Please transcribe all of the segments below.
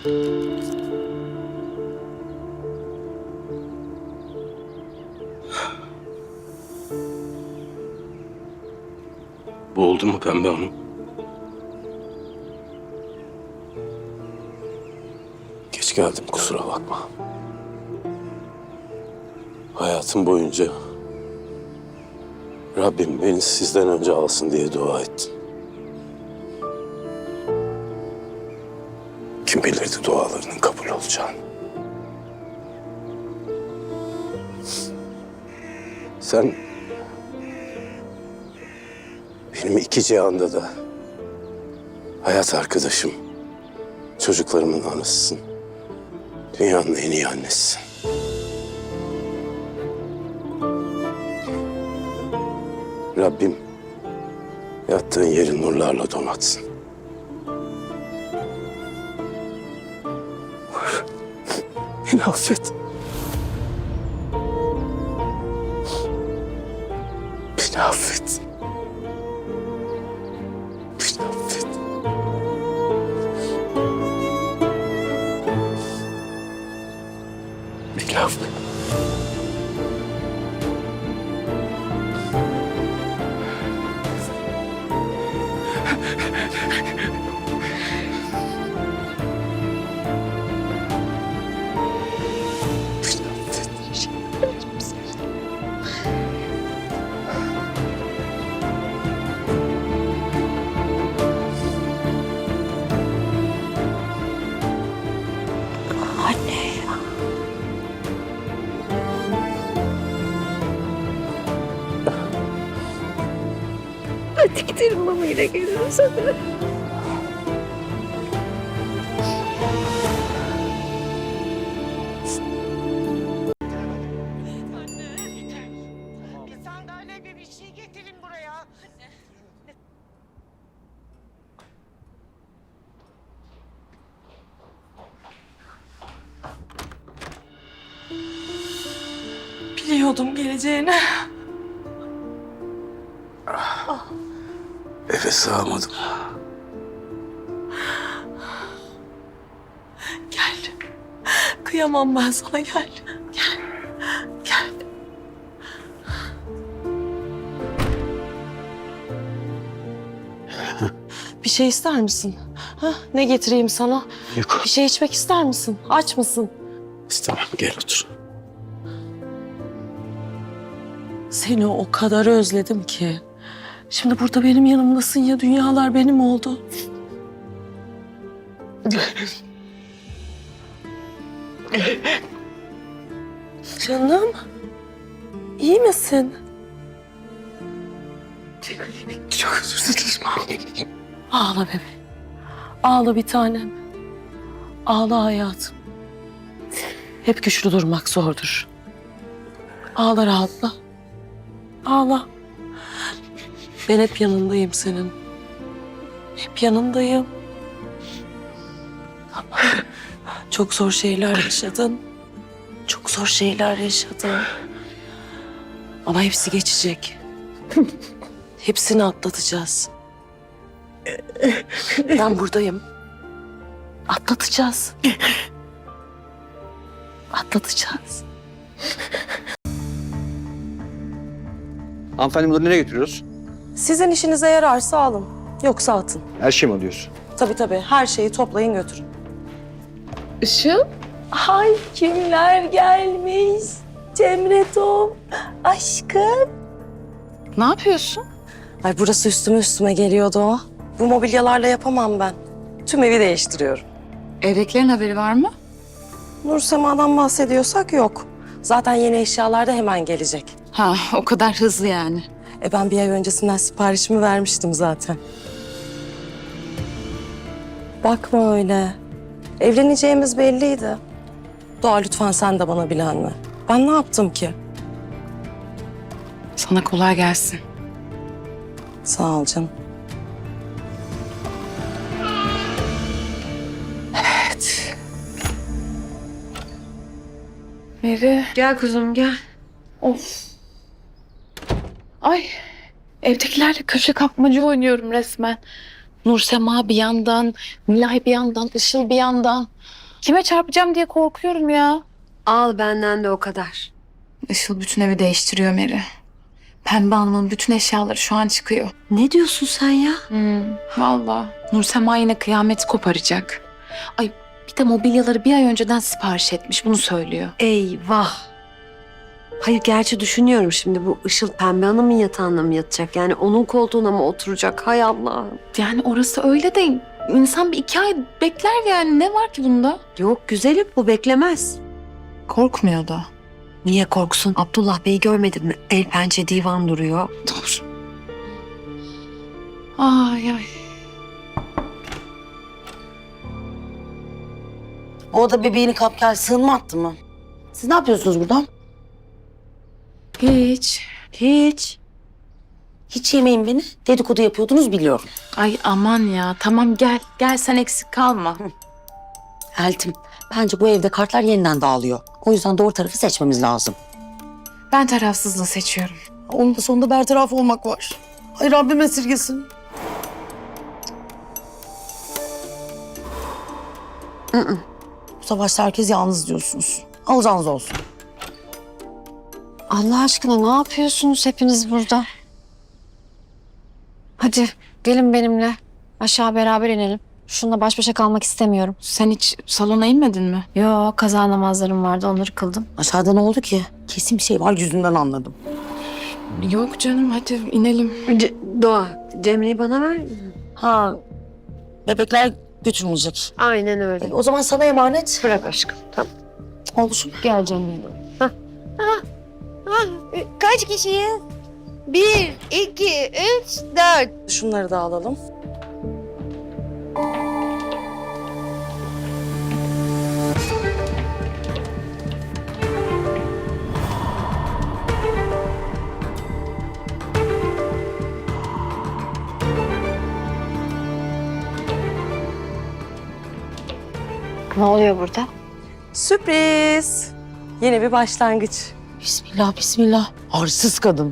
Bu oldu mu Pembe Hanım? Geç geldim, kusura bakma. Hayatım boyunca Rabbim beni sizden önce alsın diye dua ettim. Kim bilirdi dualarının kabul olacağını. Sen benim iki cihanda da hayat arkadaşım, çocuklarımın anasısın. Dünyanın en iyi annesisin. Rabbim yattığın yeri nurlarla donatsın. Beni affet. Beni affet. Beni affet. Beni affet. Hadi gidelim mama ile geliriz hadi. Bir sandalye bir şey getirin buraya. Biliyordum geleceğini. Eve sığamadım. Gel. Kıyamam ben sana, gel. Gel. Gel. Bir şey ister misin? Ha? Ne getireyim sana? Yok. Bir şey içmek ister misin? Aç mısın? İstemem, gel otur. Seni o kadar özledim ki. Şimdi burada benim yanımdasın ya, dünyalar benim oldu. Canım, iyi misin? Çok özür dilerim. Ağla bebeğim. Ağla bir tanem. Ağla hayatım. Hep güçlü durmak zordur. Ağla, rahatla. Ağla. Ben hep yanındayım senin. Hep yanındayım. Çok zor şeyler yaşadın. Çok zor şeyler yaşadın. Ama hepsi geçecek. Hepsini atlatacağız. Ben buradayım. Atlatacağız. Atlatacağız. Hanımefendi bunları nereye götürüyoruz? Sizin işinize yararsa alın. Yoksa atın. Her şey mi alıyorsun? Tabii her şeyi toplayın götürün. Işıl? Ay kimler gelmiş? Cemretom, aşkım. Ne yapıyorsun? Ay burası üstüme geliyordu o. Bu mobilyalarla yapamam ben. Tüm evi değiştiriyorum. Evdekilerin haberi var mı? Nur Sema'dan bahsediyorsak yok. Zaten yeni eşyalar da hemen gelecek. Ha, o kadar hızlı yani. Ben bir ay öncesinden siparişimi vermiştim zaten. Bakma öyle. Evleneceğimiz belliydi. Doğa lütfen sen de bana bilenme. Ben ne yaptım ki? Sana kolay gelsin. Sağ ol canım. Evet. Meri. Gel kuzum gel. Of. Ay. Evdekilerle köşe kapmaca oynuyorum resmen. Nursema bir yandan, Nilay bir yandan, Işıl bir yandan. Kime çarpacağım diye korkuyorum ya. Al benden de o kadar. Işıl bütün evi değiştiriyor Meri. Pembe Hanım'ın bütün eşyaları şu an çıkıyor. Ne diyorsun sen ya? Vallahi. Nursema yine kıyameti koparacak. Ay bir de mobilyaları bir ay önceden sipariş etmiş. Bunu söylüyor. Eyvah. Hayır gerçi düşünüyorum şimdi bu Işıl Pembe Hanım'ın yatağında mı yatacak? Yani onun koltuğuna mı oturacak? Hay Allah'ım. Yani orası öyle de insan bir 2 ay bekler yani. Ne var ki bunda? Yok güzelim bu beklemez. Korkmuyor da. Niye korksun? Abdullah Bey'i görmedin mi? El pençe divan duruyor. Dur. Ay ay. O da bebeğini kapkal sığınma attı mı? Siz ne yapıyorsunuz burada? Hiç. Hiç. Hiç yemeyin beni. Dedikodu yapıyordunuz biliyorum. Ay aman ya. Tamam gel. Gel sen eksik kalma. Eltim, bence bu evde kartlar yeniden dağılıyor. O yüzden doğru tarafı seçmemiz lazım. Ben tarafsızlığı seçiyorum. Onun da sonunda bertaraf olmak var. Ay Rabbim esirgesin. Bu savaşta herkes yalnız diyorsunuz. Alacağınız olsun. Allah aşkına ne yapıyorsunuz hepiniz burada? Hadi gelin benimle. Aşağı beraber inelim. Şununla baş başa kalmak istemiyorum. Sen hiç salona inmedin mi? Yo kaza namazlarım vardı onları kıldım. Aşağıda ne oldu ki? Kesin bir şey var yüzünden anladım. Yok canım hadi inelim. Doğa Cemre'yi bana ver. Ha, bebekler götürülecek. Aynen öyle. O zaman sana emanet. Bırak aşkım. Tamam. Olsun. Gel canım. Kaç kişiyiz? 1, 2, 3, 4. Şunları da alalım. Ne oluyor burada? Sürpriz. Yeni bir başlangıç. Bismillah, bismillah. Arsız kadın.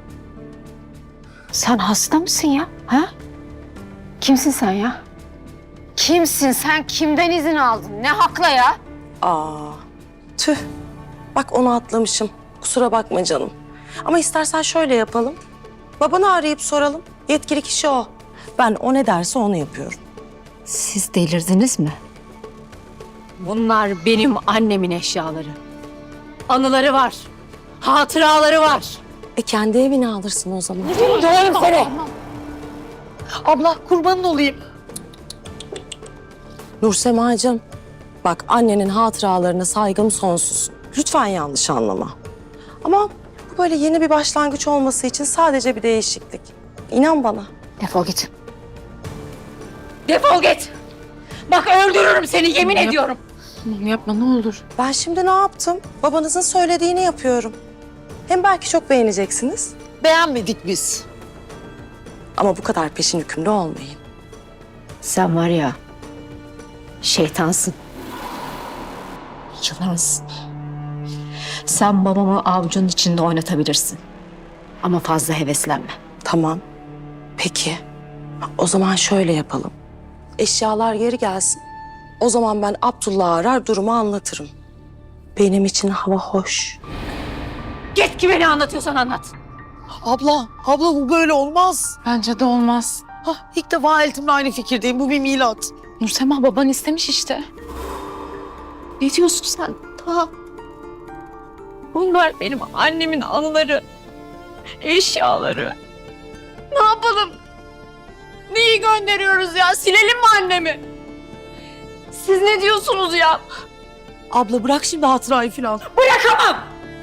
Sen hasta mısın ya? Ha? Kimsin sen ya? Kimsin sen? Kimden izin aldın? Ne hakla ya? Aa, tüh. Bak onu atlamışım. Kusura bakma canım. Ama istersen şöyle yapalım. Babanı arayıp soralım. Yetkili kişi o. Ben o ne derse onu yapıyorum. Siz delirdiniz mi? Bunlar benim annemin eşyaları. Anıları var. Hatıraları var. Kendi evine alırsın o zaman. Döverim seni. Abla kurbanın olayım. Nursemacığım, bak annenin hatıralarına saygım sonsuz. Lütfen yanlış anlama. Ama bu böyle yeni bir başlangıç olması için sadece bir değişiklik. İnan bana. Defol git. Defol git. Bak öldürürüm seni yemin ediyorum. Tamam yapma ne olur. Ben şimdi ne yaptım? Babanızın söylediğini yapıyorum. Hem belki çok beğeneceksiniz. Beğenmedik biz. Ama bu kadar peşin hükümlü olmayın. Sen var ya şeytansın. Yılansın. Sen babamı avucunun içinde oynatabilirsin. Ama fazla heveslenme. Tamam. Peki. O zaman şöyle yapalım. Eşyalar geri gelsin. O zaman ben Abdullah'ı arar durumu anlatırım. Benim için hava hoş. Git kime ne anlatıyorsan anlat. Abla bu böyle olmaz. Bence de olmaz. İlk defa Eltim'le aynı fikirdeyim. Bu bir milat. Nursema baban istemiş işte. Ne diyorsun sen? Ta. Bunlar benim annemin anıları. Eşyaları. Ne yapalım? Neyi gönderiyoruz ya? Silelim mi annemi? Siz ne diyorsunuz ya? Abla bırak şimdi hatırayı falan. Bırakamam!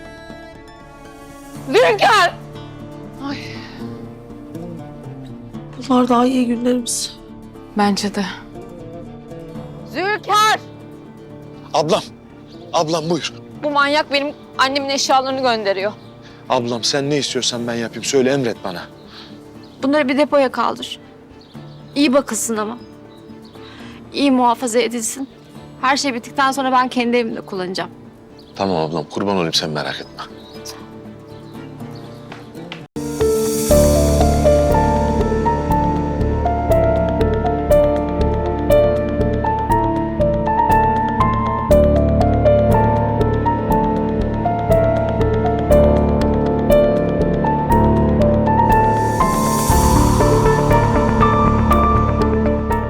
Zülker! Bunlar daha iyi günlerimiz. Bence de. Zülker! Ablam buyur. Bu manyak benim annemin eşyalarını gönderiyor. Ablam sen ne istiyorsan ben yapayım. Söyle emret bana. Bunları bir depoya kaldır. İyi bakılsın ama. İyi muhafaza edilsin. Her şey bittikten sonra ben kendi evimde kullanacağım. Tamam ablam kurban olayım sen merak etme.